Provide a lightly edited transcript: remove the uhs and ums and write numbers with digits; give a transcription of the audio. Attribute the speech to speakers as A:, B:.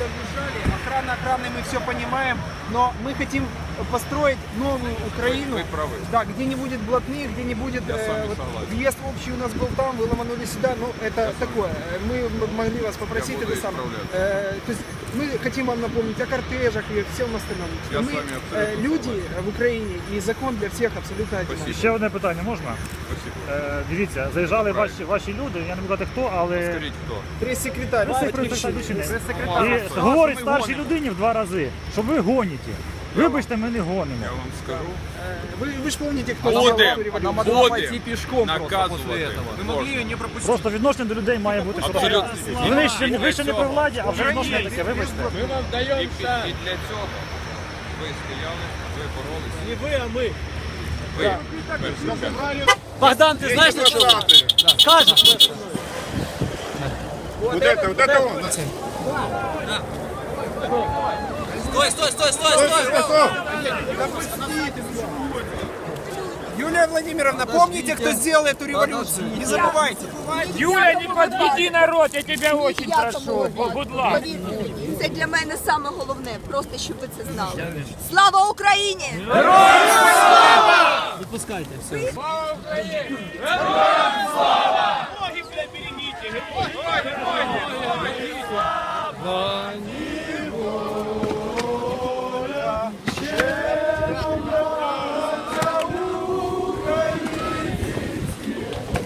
A: въезжали, охрана, мы все понимаем, но мы хотим построить новую Украину,
B: Вы правы.
A: да, где не будет блатных, где не будет вот, въезд общий у нас был там, вы ломанули сюда, ну это такое. Мы могли вас попросить это самое. То есть мы хотим вам напомнить о кортежах и всем остальном.
B: Я
A: Мы
B: с вами абсолютно
A: люди
B: согласен.
A: в Україні і закон для всіх абсолютно одинаковий.
C: Ще одне питання можна? Дивіться, заїжджали ваші люди, я не буду казати хто, але
B: Скажіть, хто?
A: Прес-секретарь,
C: прес-секретар і говорить старшій людині в 2 рази, що ви гоніте. Вибачте, ми не гонимо.
B: Я вам скажу.
A: Ви ж пам'ятаєте, хто зробив революцію?
B: Будем наказувати.
D: Вы могли ее не пропустить.
C: Просто відношення до людей має бути.
B: Абсолютно.
C: Ви ще не при владі, а вже відношення таке, вибачте.
D: Мы вам даем
B: І для цього ви стояли, ви боролися.
D: Не вы, а мы.
B: Ви
E: Богдан, ты знаешь, что скажешь?
B: Вот это он.
E: Стой!
A: Юлия Владимировна, помните, кто сделал эту революцию? Не забывайте.
F: Юля, не подведи народ, я тебя очень прошу. Будь ласка.
G: Це для мене саме головне, просто щоб ви це знали. Слава Україні!
E: Відпускайте все.
F: Ноги, бля, берегите.